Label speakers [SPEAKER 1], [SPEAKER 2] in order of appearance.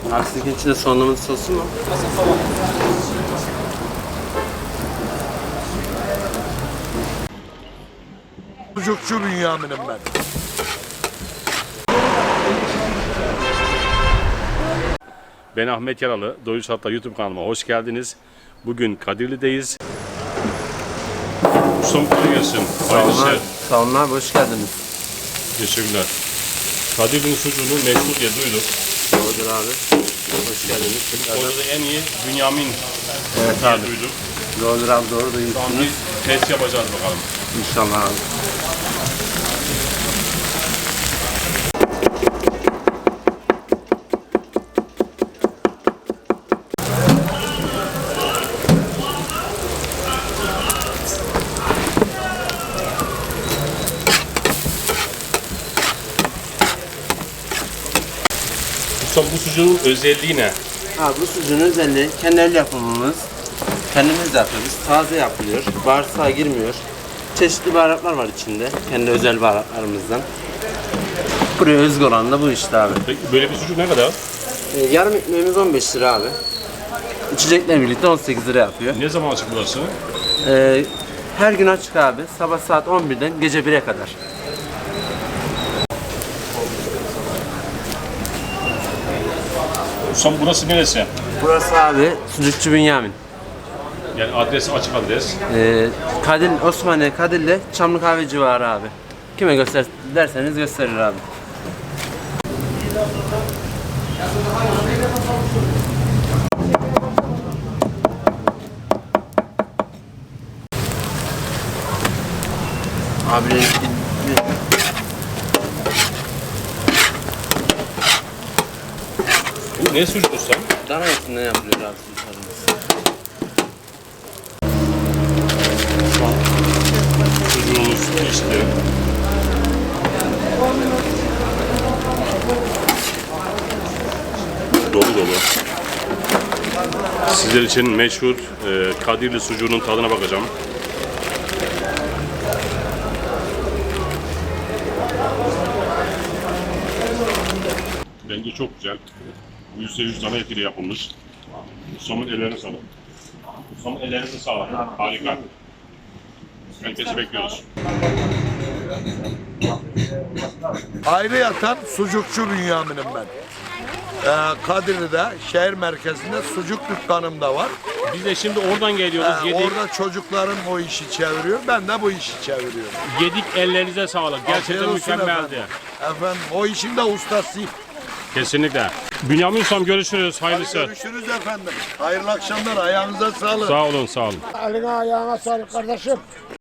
[SPEAKER 1] Aksikin içinde soğanlı sosu mu?
[SPEAKER 2] Sucukçu Bünyamin'im ben.
[SPEAKER 3] Ben Ahmet Yaralı, Doyuş Hatta YouTube kanalıma hoş geldiniz. Bugün Kadirli'deyiz. Ustam kolay gelsin.
[SPEAKER 1] Sağ olun abi, hoş geldiniz.
[SPEAKER 3] Teşekkürler. Kadirli'nin sucuğunu meşhur diye duyduk.
[SPEAKER 1] Doğrudur abi. Hoş geldiniz.
[SPEAKER 3] Orada da en iyi Bünyamin
[SPEAKER 1] Evet
[SPEAKER 3] diye
[SPEAKER 1] abi.
[SPEAKER 3] duyduk.
[SPEAKER 1] Doğrudur abi, doğru
[SPEAKER 3] Şu an
[SPEAKER 1] duyuyorsunuz.
[SPEAKER 3] bir test yapacağız bakalım.
[SPEAKER 1] İnşallah abi.
[SPEAKER 3] Ustam bu sucuğun özelliği ne?
[SPEAKER 1] Abi bu sucuğun özelliği kendi el yapımımız. Kendimiz yapıyoruz. Taze yapılıyor. Bağırsağa girmiyor. Çeşitli baharatlar var içinde. Kendi özel baharatlarımızdan. Buraya özgü olan da bu işte abi.
[SPEAKER 3] Peki böyle bir sucuk ne kadar?
[SPEAKER 1] Yarım ekmeğimiz 15 lira abi. İçecekler birlikte 18 lira yapıyor.
[SPEAKER 3] Ne zaman açık burası?
[SPEAKER 1] Her gün açık abi. Sabah saat 11'den gece 1'e kadar.
[SPEAKER 3] Ustam burası neresi?
[SPEAKER 1] Burası abi Sucukçu Bünyamin.
[SPEAKER 3] Yani adres açık adres.
[SPEAKER 1] Osmaniye Kadirli Çamlı Kahve civarı abi. Kime göster derseniz gösterir abi. Abi
[SPEAKER 3] Bu ne sucuk ustam?
[SPEAKER 1] dana etinden yapılıyor abi sucuklarımız.
[SPEAKER 3] Sucuğumuz pişti. Dolu dolu. Sizler için meşhur Kadirli sucuğunun tadına bakacağım. Bence çok güzel. %100 dana etiyle yapılmış. Ustamın ellerine sağlık. Ustamın ellerine sağlık. Harika. Herkesi bekliyoruz.
[SPEAKER 2] Ayrı yatan sucukçu Bünyamin'im ben. Kadirli'de şehir merkezinde sucuk dükkanım da var.
[SPEAKER 3] Biz de şimdi oradan geliyoruz.
[SPEAKER 2] Orada çocuklarım o işi çeviriyor. Ben de bu işi çeviriyorum.
[SPEAKER 3] Yedik, ellerinize sağlık. Gerçekten
[SPEAKER 2] Afiyet olsun
[SPEAKER 3] mükemmeldi.
[SPEAKER 2] Efendim o işin de ustasıyım.
[SPEAKER 3] Kesinlikle. Bünyamin Ustam görüşürüz. Hayırlısı.
[SPEAKER 2] Görüşürüz efendim. Hayırlı akşamlar. Ayağınıza sağlık.
[SPEAKER 3] Sağ olun, sağ olun.
[SPEAKER 4] Eline ayağına sağlık kardeşim.